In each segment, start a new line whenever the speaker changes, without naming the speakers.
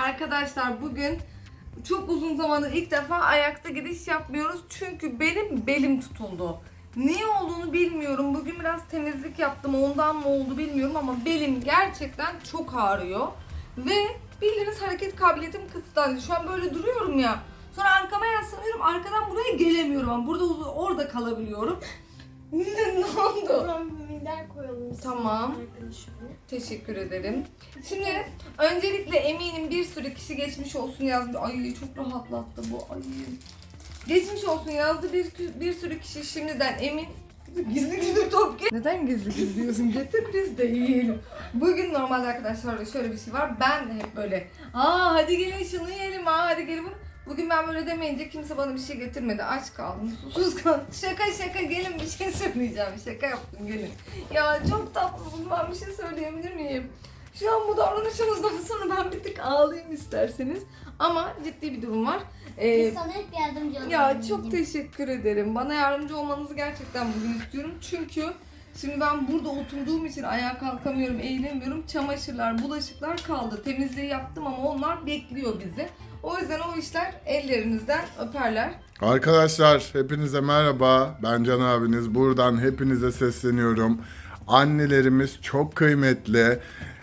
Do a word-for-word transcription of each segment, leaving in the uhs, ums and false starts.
Arkadaşlar bugün çok uzun zamandır ilk defa ayakta gidiş yapmıyoruz. Çünkü benim belim tutuldu. Niye olduğunu bilmiyorum. Bugün biraz temizlik yaptım. Ondan mı oldu bilmiyorum ama belim gerçekten çok ağrıyor. Ve bildiğiniz hareket kabiliyetim kısıtlandı. Şu an böyle duruyorum ya. Sonra arkama yaslanıyorum. Arkadan buraya gelemiyorum. Ama burada orada kalabiliyorum. Ne oldu?
O zaman bir minder koyalım.
Tamam. Teşekkür ederim. Şimdi öncelikle eminim bir sürü kişi geçmiş olsun yazdı. Ay çok rahatlattı bu. Ay. Geçmiş olsun yazdı bir, bir sürü kişi şimdiden emin. Gizli gizli top ge- Neden gizli gizli diyorsun? Getir biz de yiyelim. Bugün normalde arkadaşlar şöyle bir şey var. Ben de hep böyle aa hadi gelin şunu yiyelim, aa hadi gelin bunu. Bugün ben böyle demeyince kimse bana bir şey getirmedi. Aç kaldım, susuz kaldım. Şaka şaka gelin bir şey söyleyeceğim. Şaka yaptım gelin. Ya çok tatlısın, ben bir şey söyleyebilir miyim? Şu an bu davranışımızdan sonra ben bir tık ağlayayım isterseniz. Ama ciddi bir durum var. Ee,
Biz sana hep yardımcı olalım.
ya çok teşekkür ederim. Bana yardımcı olmanızı gerçekten bugün istiyorum. Çünkü şimdi ben burada oturduğum için ayağa kalkamıyorum, eğilemiyorum. Çamaşırlar, bulaşıklar kaldı. Temizliği yaptım ama onlar bekliyor bizi. O yüzden o işler ellerinizden öperler.
Arkadaşlar hepinize merhaba. Ben Can abiniz. Buradan hepinize sesleniyorum. Annelerimiz çok kıymetli.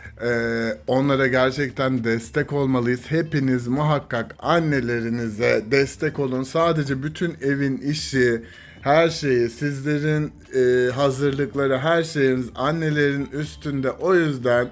Ee, onlara gerçekten destek olmalıyız. Hepiniz muhakkak annelerinize destek olun. Sadece bütün evin işi, her şeyi, sizlerin e, hazırlıkları, her şeyiniz annelerin üstünde. O yüzden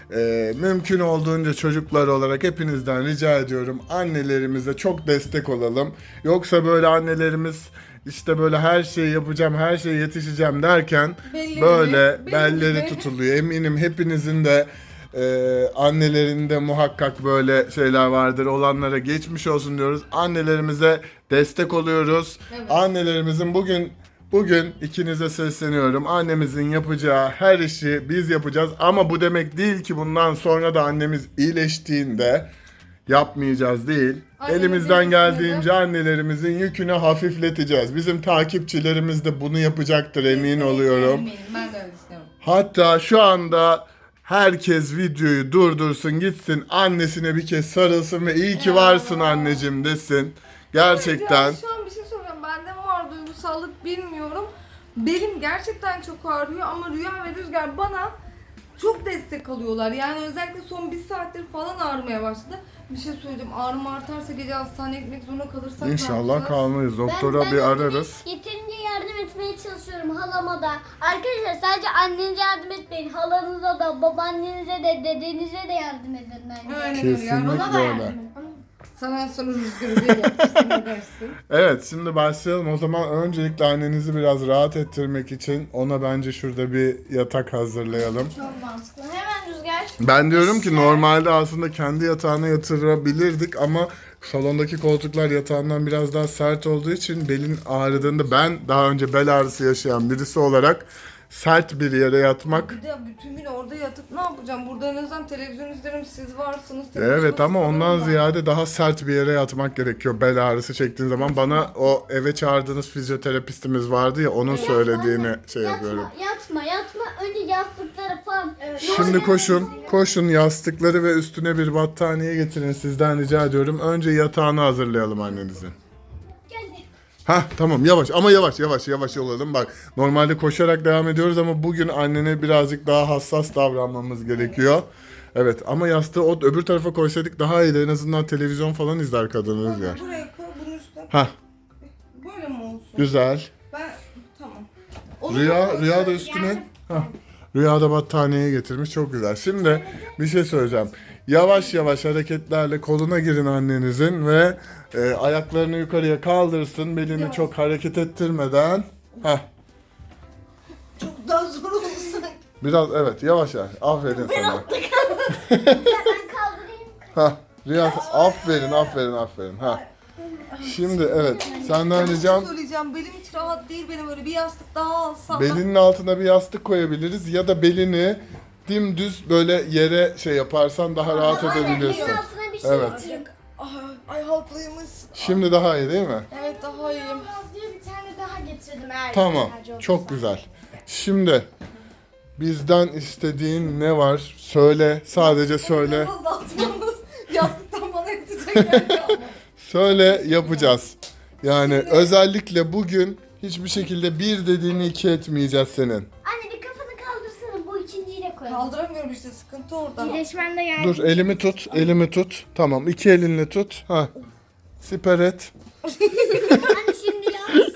e, mümkün olduğunca çocuklar olarak hepinizden rica ediyorum. Annelerimize çok destek olalım. Yoksa böyle annelerimiz işte böyle her şeyi yapacağım, her şeye yetişeceğim derken
Belli
böyle
belli
belleri
gibi.
tutuluyor. Eminim hepinizin de Ee, annelerinde muhakkak böyle şeyler vardır. Olanlara geçmiş olsun diyoruz. Annelerimize destek oluyoruz.
Evet.
Annelerimizin bugün bugün ikinize sesleniyorum. Annemizin yapacağı her işi biz yapacağız. Ama bu demek değil ki bundan sonra da annemiz iyileştiğinde yapmayacağız değil.
Annemizin
Elimizden
yükünü
geldiğince annelerimizin yükünü hafifleteceğiz. Bizim takipçilerimiz de bunu yapacaktır, emin oluyorum.
Eminim, ben de öyle düşünüyorum.
Hatta şu anda herkes videoyu durdursun, gitsin annesine bir kez sarılsın ve iyi ki varsın anneciğim desin. Gerçekten.
Evet ya, şu an bir şey soracağım. Bende mi var duygusallık bilmiyorum. Belim gerçekten çok ağrıyor ama Rüya ve Rüzgar bana çok destek alıyorlar. Yani özellikle son bir saattir falan ağrımaya başladı. Bir şey söyleyeceğim. Ağrım artarsa gece hastaneye gitmek zorunda kalırsak ne
İnşallah
yapacağız?
kalmayız. Doktora
Ben-
bir
ben
ararız.
Yeterince yardım etmeye çalışıyorum halama da. Arkadaşlar sadece annenize yardım etmeyin. Halanıza da, babaannenize de, dedenize de yardım edin bence.
Aynen öyle. Yani ona
Kesinlikle
da
öyle.
yardım edin. Sana sonra Rüzgar'ı diye yapmışsın, ne dersin?
Evet, şimdi başlayalım. O zaman öncelikle annenizi biraz rahat ettirmek için ona bence şurada bir yatak hazırlayalım.
Çok mantıklı. Hemen Rüzgar.
Ben diyorum ki normalde aslında kendi yatağına yatırabilirdik ama salondaki koltuklar yatağından biraz daha sert olduğu için belin ağrıdığında ben daha önce bel ağrısı yaşayan birisi olarak sert bir yere yatmak.
Bir de bütün gün orada yatıp ne yapacağım? Burada en azından televizyon izlerim, siz varsınız. televizyon
Evet ama ondan
sıkılırım ben.
ziyade daha sert bir yere yatmak gerekiyor bel ağrısı çektiğin zaman. Bana o eve çağırdığınız fizyoterapistimiz vardı ya, onun söylediğini şey yapıyorum.
Yatma, yatma, yatma. Önce yastıkları falan. Evet.
Şimdi koşun, koşun yastıkları ve üstüne bir battaniye getirin, sizden rica ediyorum. Önce yatağını hazırlayalım annenizin.
Geldi.
Hah tamam, yavaş ama yavaş yavaş yavaş olalım. Bak normalde koşarak devam ediyoruz ama bugün annene birazcık daha hassas davranmamız gerekiyor. Evet ama yastığı o öbür tarafa koysaydık daha iyiydi. En azından televizyon falan izler kadın Rüzgar.
Buraya koy, bunun üstüne.
Hah
Böyle mi olsun?
güzel.
Ben tamam. Onu
Rüya,
da-
Rüya da üstüne. Hah. Rüya da battaniyeyi getirmiş, çok güzel. Şimdi bir şey söyleyeceğim. Yavaş yavaş hareketlerle koluna girin annenizin ve e, ayaklarını yukarıya kaldırsın. Belini
Yavaş.
çok hareket ettirmeden. Hah.
Çok daha zor oldu sanki.
Biraz evet yavaş yavaş. Aferin sana.
Ben kaldırayım.
Hah. Rüya aferin aferin aferin. Ha. Şimdi evet senden
Bir
ricam
şey söyleyeceğim. Belim hiç rahat değil, benim öyle bir yastık daha alsam.
belinin altına bir yastık koyabiliriz ya da belini dimdüz böyle yere şey yaparsan daha rahat
Aynen,
edebilirsin.
elin altına bir şey
Evet.
atayım.
Ay, ay halklıymış.
Şimdi daha iyi değil mi?
Evet daha iyiyim.
Az diye bir tane daha getirdim eğer
Tamam.
ihtiyacı olursa.
Çok güzel. Şimdi bizden istediğin ne var? Söyle. Sadece söyle.
Biraz azaltmamız, yastıktan geldi ama.
Söyle yapacağız. Yani özellikle bugün hiçbir şekilde bir dediğini iki etmeyeceğiz senin.
Anne bir kafanı kaldırsana, bu ikinciyi de koyalım.
Kaldıramıyorum işte, sıkıntı orada.
İyileşmen de geldi.
Dur elimi tut, elimi tut. Tamam iki elinle tut. Ha. Siper et.
Anne şimdi yaz.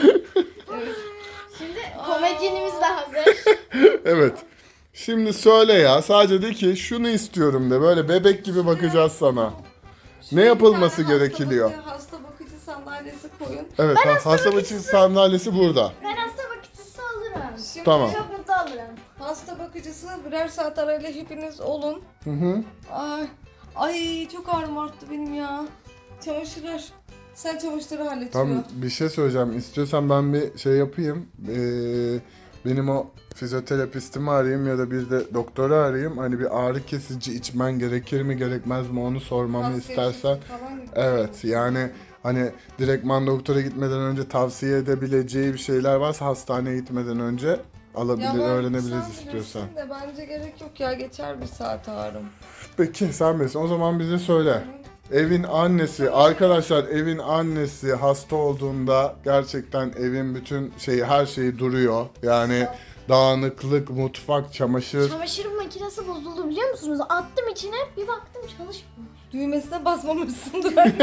Şimdi komedyenimiz de hazır.
Evet. Şimdi söyle ya. Sadece de ki şunu istiyorum de. Böyle bebek gibi bakacağız sana. Ne yapılması
Bir tane
gerekiyor?
Hasta, bakıcı, hasta bakıcı sandalyesi koyun.
Evet, ha- hasta bakıcı sandalyesi burada.
Ben hasta bakıcısı olurum.
Şimdi
Tamam.
Çok mutlu olurum.
hasta bakıcısı birer saat arayla hepiniz olun.
Hı hı.
Ay, ay çok ağrım arttı benim ya. Çamaşırlar. Sen çamaşırları hallet.
Tam
Tamam.
bir şey söyleyeceğim. İstiyorsan ben bir şey yapayım. Ee, benim o fizyoterapistimi arayayım ya da bir de doktoru arayayım. Hani bir ağrı kesici içmen gerekir mi gerekmez mi onu sormamı istersen. Evet yani hani direktman doktora gitmeden önce tavsiye edebileceği bir şeyler varsa hastaneye gitmeden önce alabilir, öğrenebiliriz istiyorsan.
De bence gerek yok ya, geçer bir saat ağrım.
Peki sen bilirsin. O zaman bize söyle. Evin annesi, arkadaşlar evin annesi hasta olduğunda gerçekten evin bütün şeyi, her şeyi duruyor. Yani dağınıklık, mutfak, çamaşır.
Çamaşır makinesi bozuldu biliyor musunuz? Attım içine, bir baktım çalışmıyor.
Düğmesine basmamışsındır. Yani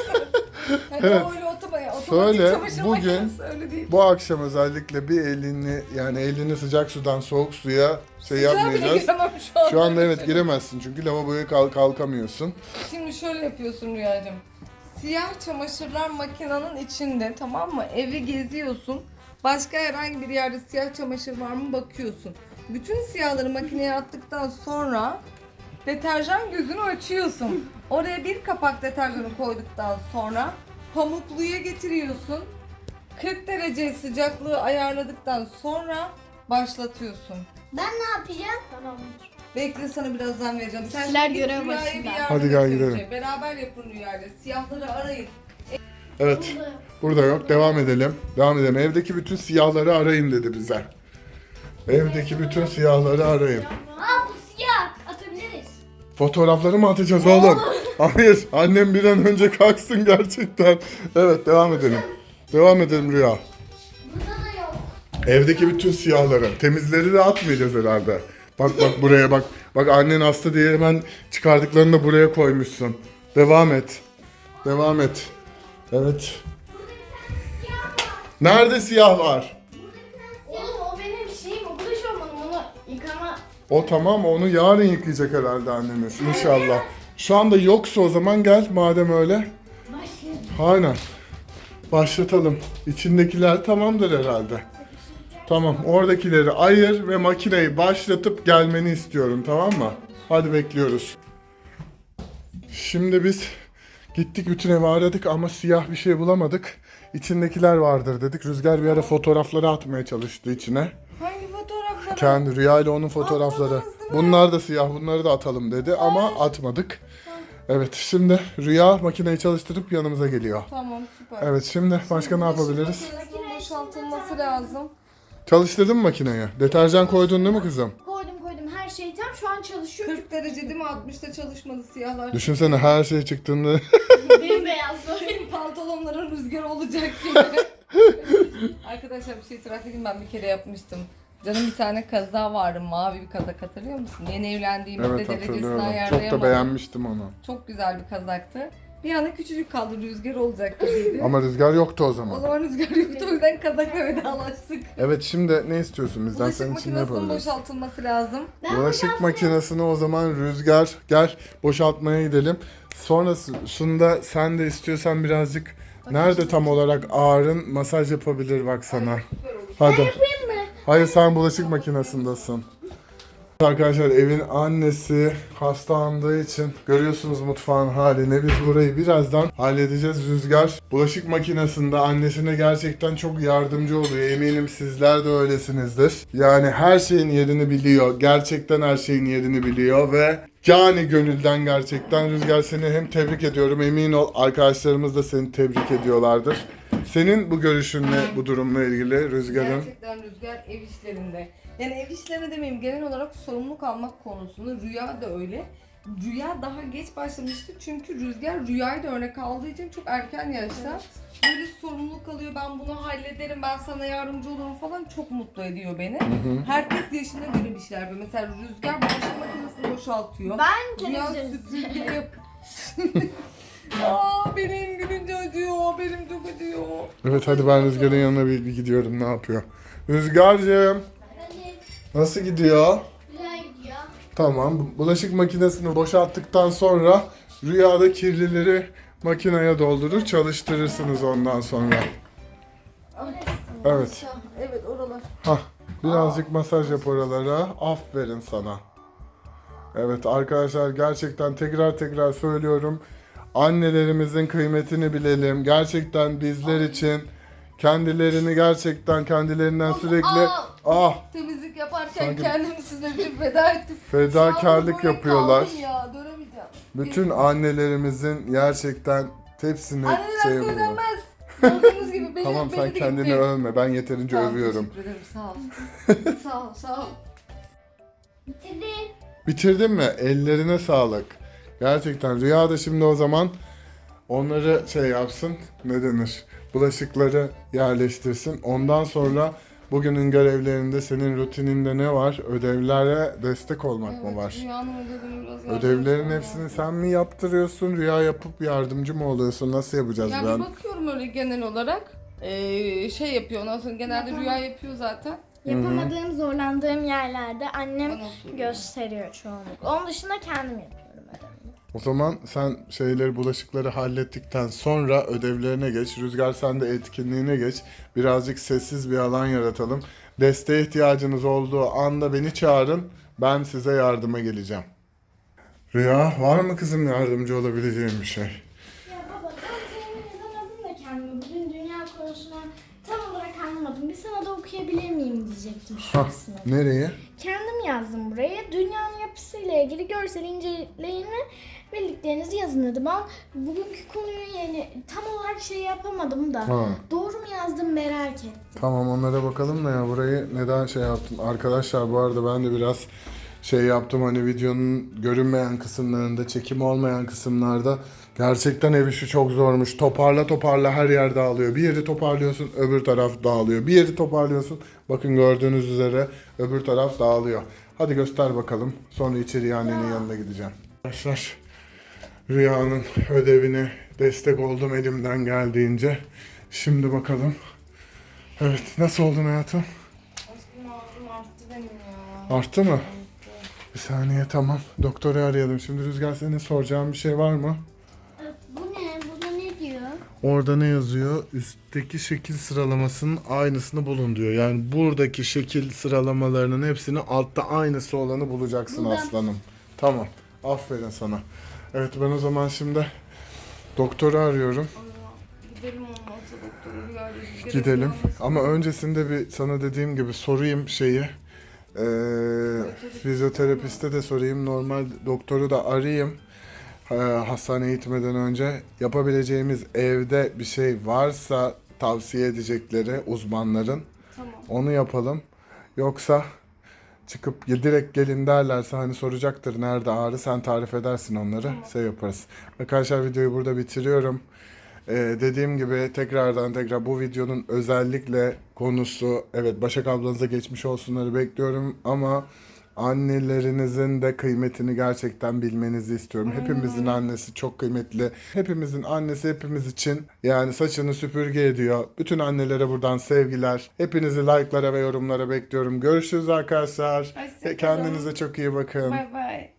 Evet.
öyle otomatik, otomatik
Söyle,
çamaşır
bugün
makinesi öyle değil.
Bu akşam özellikle bir elini yani elini sıcak sudan soğuk suya şey
Sıcağa bile
yapmayacağız.
giremem şu an.
Şu anda evet giremezsin çünkü lavaboya kalk kalkamıyorsun.
Şimdi şöyle yapıyorsun Rüyacığım. Siyah çamaşırlar makinenin içinde, tamam mı? Evi geziyorsun. Başka herhangi bir yerde siyah çamaşır var mı bakıyorsun. Bütün siyahları makineye attıktan sonra deterjan gözünü açıyorsun. Oraya bir kapak deterjanı koyduktan sonra pamukluya getiriyorsun. kırk derece sıcaklığı ayarladıktan sonra başlatıyorsun.
Ben ne yapacağım?
Tamamdır.
Bekle, sana birazdan vereceğim. Sen
Sizler
şimdi git
görev
Rüya'ya
başında.
bir yardım
Hadi gel
et
gidelim.
önce. Beraber yapın Rüya'yla. Siyahları arayın.
Evet. Burada yok. Devam edelim. Devam edelim. Evdeki bütün siyahları arayın dedi bize. Evdeki bütün siyahları arayın.
Aa bu siyah. Atabiliriz.
Fotoğrafları mı atacağız oğlum? Hayır. Annem bir an önce kalksın gerçekten. Evet devam edelim. Devam edelim Rüya.
Burada da yok.
Evdeki bütün siyahları. Temizleri de atmayacağız herhalde. Bak bak buraya bak. Bak annen hasta diye hemen çıkardıklarını da buraya koymuşsun. Devam et. Devam et. Evet. Nerede siyah var?
Oğlum o benim şeyim, o buluş olmadım, onu yıkama.
O tamam onu yarın yıkayacak herhalde annemiz inşallah. Şu anda yoksa o zaman gel madem öyle.
Başlayalım.
Aynen. Başlatalım. İçindekiler tamamdır herhalde. Tamam oradakileri ayır ve makineyi başlatıp gelmeni istiyorum tamam mı? Hadi bekliyoruz. Şimdi biz gittik bütün evi aradık ama siyah bir şey bulamadık. İçindekiler vardır dedik. Rüzgar bir ara fotoğrafları atmaya çalıştı içine.
Hangi fotoğrafları?
Kendi Rüya ile onun fotoğrafları.
Atmadınız değil mi?
Bunlar da siyah, bunları da atalım dedi ama atmadık. Evet, şimdi Rüya makineyi çalıştırıp yanımıza geliyor.
Tamam, süper.
Evet, şimdi başka ne yapabiliriz?
Makinesinin boşaltılması lazım.
Çalıştırdın mı makineyi? Deterjan koydun değil mi kızım?
Koydum koydum, her şey tam, şu an çalışıyor.
kırk derece değil mi? altmışta çalışmadı siyahlar.
Düşünsene her şey çıktığında.
Benim beyaz böyle.
Benim pantolonların rüzgar olacak gibi. Arkadaşlar bir şey itiraf edeyim, ben bir kere yapmıştım. Canım bir tane kaza vardı, mavi bir kazak, hatırlıyor musun? Yeni evlendiğimizde
Evet
derecesini
hatırlıyorum. Çok
ayarlayamadım.
da beğenmiştim onu.
Çok güzel bir kazaktı. Bir anda küçücük kaldı, rüzgar olacak gibiydi.
Ama rüzgar yoktu o
O
zaman.
zaman rüzgar yoktu, o yüzden kazakla vedalaştık.
Evet şimdi ne istiyorsun bizden?
Bulaşık
Senin için ne
makinesinin
yapabiliriz?
boşaltılması lazım.
Bulaşık makinesini o zaman Rüzgar gel boşaltmaya gidelim. Sonrasında sen de istiyorsan birazcık nerede tam olarak ağrın masaj yapabilir bak sana. Hadi. Hayır sen bulaşık makinesindesin. Arkadaşlar evin annesi hastalandığı için görüyorsunuz mutfağın halini. Biz burayı birazdan halledeceğiz. Rüzgar bulaşık makinesinde annesine gerçekten çok yardımcı oluyor. Eminim sizler de öylesinizdir. Yani her şeyin yerini biliyor. Gerçekten her şeyin yerini biliyor ve cani gönülden gerçekten Rüzgar seni hem tebrik ediyorum. Emin ol arkadaşlarımız da seni tebrik ediyorlardır. Senin bu görüşünle bu durumla ilgili Rüzgar'ın.
Gerçekten Rüzgar ev işlerinde. Yani ev işlerine demeyeyim, genel olarak sorumluluk almak konusunda Rüya da öyle. Rüya daha geç başlamıştı çünkü Rüzgar Rüya'yı da örnek aldığı için çok erken yaşta. Böyle sorumluluk alıyor, ben bunu hallederim, ben sana yardımcı olurum falan, çok mutlu ediyor beni. Herkes yaşına göre bir şeyler yapıyor. Mesela Rüzgar bulaşık makinesini boşaltıyor.
Ben
Rüya
televizyon
süpürge yap. Aa, benim gülünce acıyor, benim çok acıyor.
Evet hadi ben Rüzgar'ın yanına bir, bir gidiyorum, ne yapıyor? Rüzgar'cığım nasıl gidiyor?
Güzel gidiyor.
Tamam, bulaşık makinesini boşalttıktan sonra Rüyada kirlileri makineye doldurur, çalıştırırsınız ondan sonra. Evet.
Evet, oralar.
Hah, birazcık masaj yap oralara. Aferin sana. Evet arkadaşlar, gerçekten tekrar tekrar söylüyorum. Annelerimizin kıymetini bilelim. Gerçekten bizler için kendilerini gerçekten kendilerinden sürekli
Aa!
ah
Temizlik yaparken
Sanki-
kendimi size bir feda ettim.
fedakarlık
Şu an böyle
yapıyorlar.
kaldım ya, dönemeyeceğim.
Bütün annelerimizin gerçekten hepsini
Anneler
şey
hakkı
yapıyor.
ödenmez. Gördüğünüz gibi beni,
Tamam
beni
sen
de
kendini
gitti.
övme. Ben yeterince
Tamam,
övüyorum.
teşekkür ederim, sağ ol. sağ ol, sağ ol.
Bitirdim.
Bitirdin mi? Ellerine sağlık. Gerçekten Rüya da şimdi o zaman onları şey yapsın. Ne denir? Bulaşıkları yerleştirsin. Ondan sonra bugünün görevlerinde senin rutininde ne var? Ödevlere destek olmak mı var?
Rüyanın ödevini biraz yardım
Ödevlerin
etmem
hepsini
lazım.
sen mi yaptırıyorsun? Rüya yapıp yardımcı mı oluyorsun? Nasıl yapacağız
Ya
ben?
bir bakıyorum öyle genel olarak. Ee, şey yapıyor, ondan sonra genelde
Yapamam.
Rüya yapıyor zaten.
Yapamadığım, zorlandığım yerlerde annem
Bana soruyor.
gösteriyor çoğunlukla. Onun dışında kendim yapıyorum ödevimi.
O zaman sen şeyleri, bulaşıkları hallettikten sonra ödevlerine geç. Rüzgar sen de etkinliğine geç. Birazcık sessiz bir alan yaratalım. Desteğe ihtiyacınız olduğu anda beni çağırın. Ben size yardıma geleceğim. Rüya, var mı kızım yardımcı olabileceğim bir şey?
Ya baba, ben temin edemedim de kendimi. Bugün dünya konusuna tam olarak anlamadım. Bir sana da okuyabilir miyim diyecektim şu
Hah,
kısmı.
nereye?
Kendim yazdım buraya. Dünyanın yapısıyla ilgili görsel inceleyin ve bildiklerinizi yazın dedi. Ben bugünkü konuyu yani tam olarak şey yapamadım da.
Ha.
Doğru mu yazdım merak ettim.
Tamam, onlara bakalım da ya burayı neden şey yaptın? Arkadaşlar bu arada ben de biraz şey yaptım, hani videonun görünmeyen kısımlarında, çekim olmayan kısımlarda gerçekten ev işi çok zormuş. Toparla toparla her yer dağılıyor. Bir yeri toparlıyorsun, öbür taraf dağılıyor. Bir yeri toparlıyorsun, bakın gördüğünüz üzere öbür taraf dağılıyor. Hadi göster bakalım. Sonra içeriye annenin yanına gideceğim. Arkadaşlar, Rüya'nın ödevine destek oldum elimden geldiğince. Şimdi bakalım. Evet, nasıl oldun hayatım?
Aşkım ağzım arttı benim ya.
Arttı mı? Bir saniye, tamam. Doktoru arayalım. Şimdi Rüzgar, senin soracağın bir şey var mı?
Bu ne? Bu da ne diyor?
Orada ne yazıyor? Üstteki şekil sıralamasının aynısını bulun diyor. Yani buradaki şekil sıralamalarının hepsini altta aynısı olanı bulacaksın
Buldum.
aslanım. Tamam. Aferin sana. Evet, ben o zaman şimdi doktoru arıyorum.
Gidelim olmazsa doktora, Rüya ile Rüzgar'a
Gidelim.
soralım.
Ama öncesinde bir sana dediğim gibi sorayım şeyi. Ee, fizyoterapiste de sorayım. Normal doktoru da arayayım. Ee, hastaneye gitmeden önce yapabileceğimiz evde bir şey varsa tavsiye edecekleri uzmanların,
Tamam.
onu yapalım. Yoksa çıkıp ya direkt gelin derlerse, hani soracaktır nerede ağrı, sen tarif edersin onları, şey yaparız. Arkadaşlar videoyu burada bitiriyorum. Ee, dediğim gibi tekrardan tekrar bu videonun özellikle konusu, evet Başak ablanıza geçmiş olsunları bekliyorum ama annelerinizin de kıymetini gerçekten bilmenizi istiyorum. Hepimizin annesi çok kıymetli. Hepimizin annesi hepimiz için yani saçını süpürge ediyor. Bütün annelere buradan sevgiler. Hepinizi like'lara ve yorumlara bekliyorum. Görüşürüz arkadaşlar.
Hoşça kalın.
Kendinize çok iyi bakın.
Bay bay.